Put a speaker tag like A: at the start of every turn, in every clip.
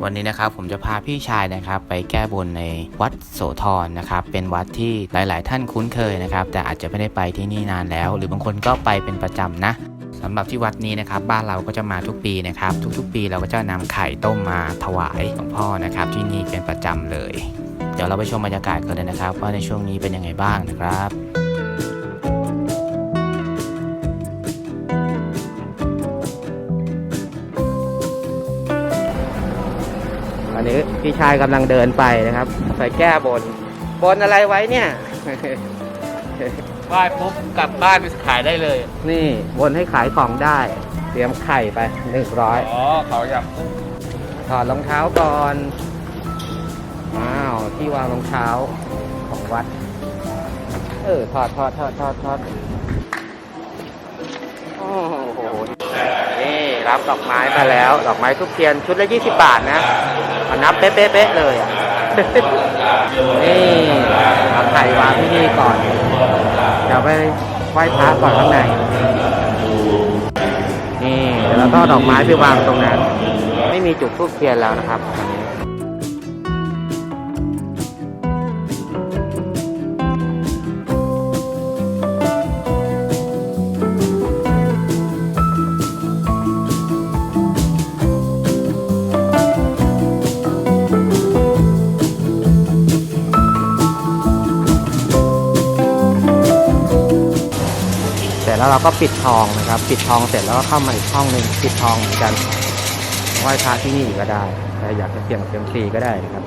A: วันนี้นะครับผมจะพาพี่ชายนะครับไปแก้บนในวัดโสธรนะครับเป็นวัดที่หลายๆท่านคุ้นเคยนะครับแต่อาจจะไม่ได้ไปที่นี่นานแล้วหรือบางคนก็ไปเป็นประจำนะสำหรับที่วัดนี้นะครับบ้านเราก็จะมาทุกปีนะครับทุกๆปีเราก็จะนำไข่ต้มมาถวายหลวงพ่อนะครับที่นี่เป็นประจำเลยเดี๋ยวเราไปชมบรรยากาศกันเลยนะครับว่าในช่วงนี้เป็นยังไงบ้างนะครับอันนี้พี่ชายกำลังเดินไปนะครับไปแก้บนอะไรไว้เนี่ย ไหว้ปุ๊บกลับบ้านไปขายได้เลยนี่บนให้ขายของได้เตรียมไข่ไป100
B: อ๋อเขาอยาก
A: ถอดรองเท้าก่อนว้าวที่วางรองเท้าของวัดถอดโอ้โหนี่รับดอกไม้มาแล้วดอกไม้ทุกเทียนชุดละ20 บาทนะมานับเป๊ะๆเลยอ่ะ นี่เอาไข่วางที่นี่ก่อนเดี๋ยวไปไหว้พระก่อนข้างในนี่แล้วก็ดอกไม้ไปวางตรงนั้นไม่มีจุดธูปเทียนแล้วนะครับตอนนี้แล้วเราก็ปิดทองนะครับปิดทองเสร็จแล้วก็เข้ามาอีกห้องหนึ่งปิดทองเหมือนกันไหว้พระที่นี่ก็ได้ใครอยากจะเสี่ยงเซียมซีก็ได้นะครับ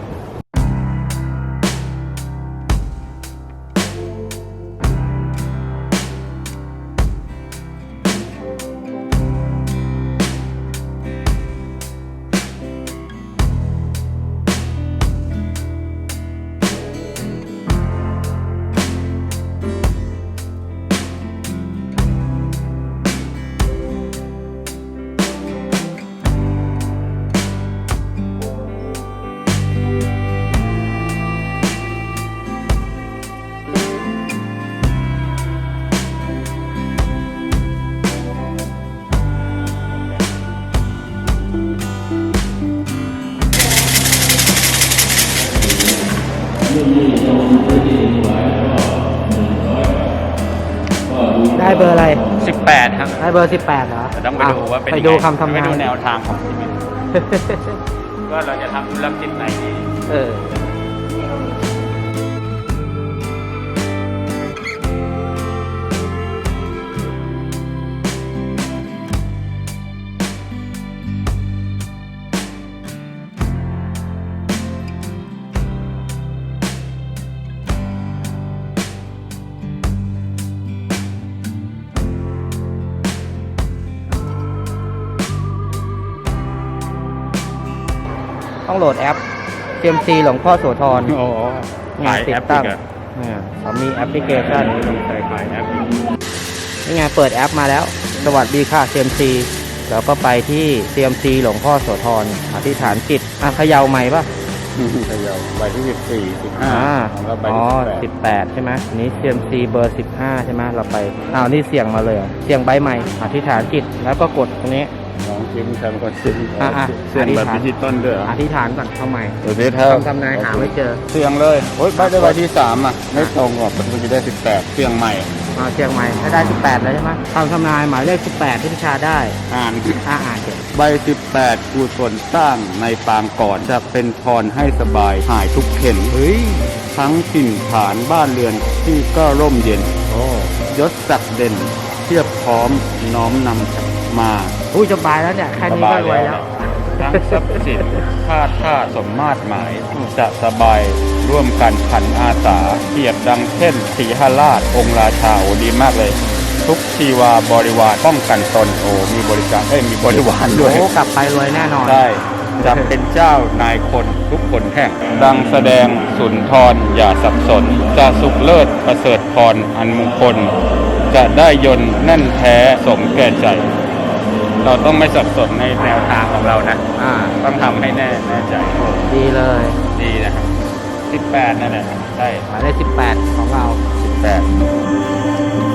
A: ได้เบอร์อะไร
B: 18ครับ
A: ได้เบอร์18เหรอ
B: ต้องไปดูว่าเป็น
A: ไปดูคำทำนาย
B: ไปดูแนวทางของชีวิตว่าเราจะทำธุรกิจไหนดี
A: ต้องโหลดแอป CMC หลวงพ่อโสธร
B: ขายแอปตั้ง
A: เขามีแอปพลิเคชัน
B: ขายแอป
A: นี่ไงเปิดแอปมาแล้วสวัสดีค่ะ CMC แล้วก็ไปที่ CMC หลวงพ่อโสธรอธิษฐานจิตเขย่าใหม่ป่ะ
B: เขย่าใบที่14 15แล้วใบที่
A: 18ใช่ไหมนี้ CMC เบอร์15ใช่ไหมเราไปนี่เสี่ยงมาเลยเสี่ยงใบใหม่อธิษฐานจิตแล้วก็กดตรงนี้
B: ลองจิ้มทำก่อนเสี่ยงแบบดิจิตอลด้วย
A: อธิษฐานก่อนเข้าใหม่ทำนายหาไม่เจอ
B: เสี่ยงเลยโอ๊ยได้ใบที่3ไม่ตรงหรอกมันจะได้18เสี่ยงใหม่
A: เสี่ยงใหม่ถ้าได้18แล้วใช่ไหมทำนายหมายเลข18ที่พิชาได้อ่านเก็บ
B: ใบ18กุศลสร้างในปางก่อนจะเป็นพรให้สบายหายทุกเข็ญทั้งถิ่นฐานบ้านเรือนที่ก็ร่มเย็นยศศักดิ์เด่นเทียบพร้อมน้อมนำมา
A: สบายแล้วเนี่ยแค่นี้ก็รวยแล้ว
B: ทั้งทรัพย์สินท่าสมมาตรหมายจะสบายร่วมกันขันอาสาเทียบดังเช่นสีหราชองค์ราชาดีมากเลยทุกชีวาบริวารป้องกันตนมีบริการมีบริวารด้วย
A: กลับไปรวยแน่นอน
B: ได้จะเป็นเจ้านายคนทุกคนแห่งดังแสดงสุนทรอย่าสับสนจะสุขเลิศประเสริฐพรอันมงคลจะได้ยนต์แน่นแท้สมแก่ใจเราต้องไม่สับสนในแนวทางของเรานะต้องทำให้แน่ใจ
A: ดีเลย
B: ดีนะครับ18นั่นแหละใช่
A: หมายเลข18ของเรา
B: 18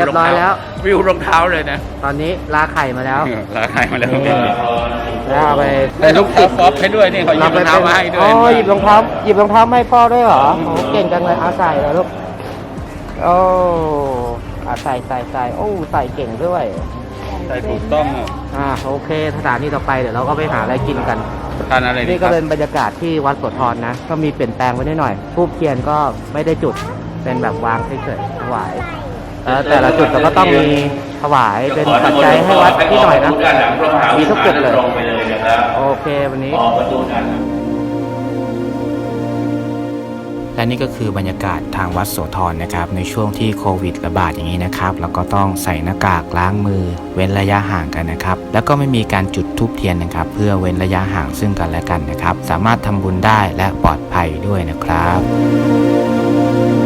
A: รียบร้อยแล้ว
B: วิวรองเท้าเลยนะ
A: ตอนนี้ลาไข่มาแล้ว
B: ราคามาแล้ว
A: แล้วเอาไป
B: ได้รองเท้าฟอปให้ด้วยนี่เขาหยิบรองเท้ามาให้ด้วย
A: อ๋อหยิบรองเท้ามาให้พ่อด้วยเหรอโอ้เก่งจังเลยเอาใส่เลยลูกโอ้ใส่โอ้ใส่เก่งด้วย
B: ใส่ถูกต้องอ่ะ
A: โอเคสถานีต่อไปเดี๋ยวเราก็ไปหาอะไรกินกัน
B: ทานอะไรดี
A: นี่
B: ค
A: ก็
B: รับ
A: เป็นบรรยากาศที่วัดโสธรนะ ก็มีเปลี่ยนแปลงไปนิดหน่อยทูบเทียนก็ไม่ได้จุดเป็นแบบวางเฉยๆถวายแต่ละจุดเราก็ต้องมีถวายเป็นปัจจัยให้วัดที่หน่อยนะมีทุกจุดเลยโอเควันนี้ และนี่ก็คือบรรยากาศทางวัดโสธรนะครับในช่วงที่โควิดระบาดอย่างนี้นะครับแล้วก็ต้องใส่หน้ากากล้างมือเว้นระยะห่างกันนะครับแล้วก็ไม่มีการจุดธูปเทียนนะครับเพื่อเว้นระยะห่างซึ่งกันและกันนะครับสามารถทำบุญได้และปลอดภัยด้วยนะครับ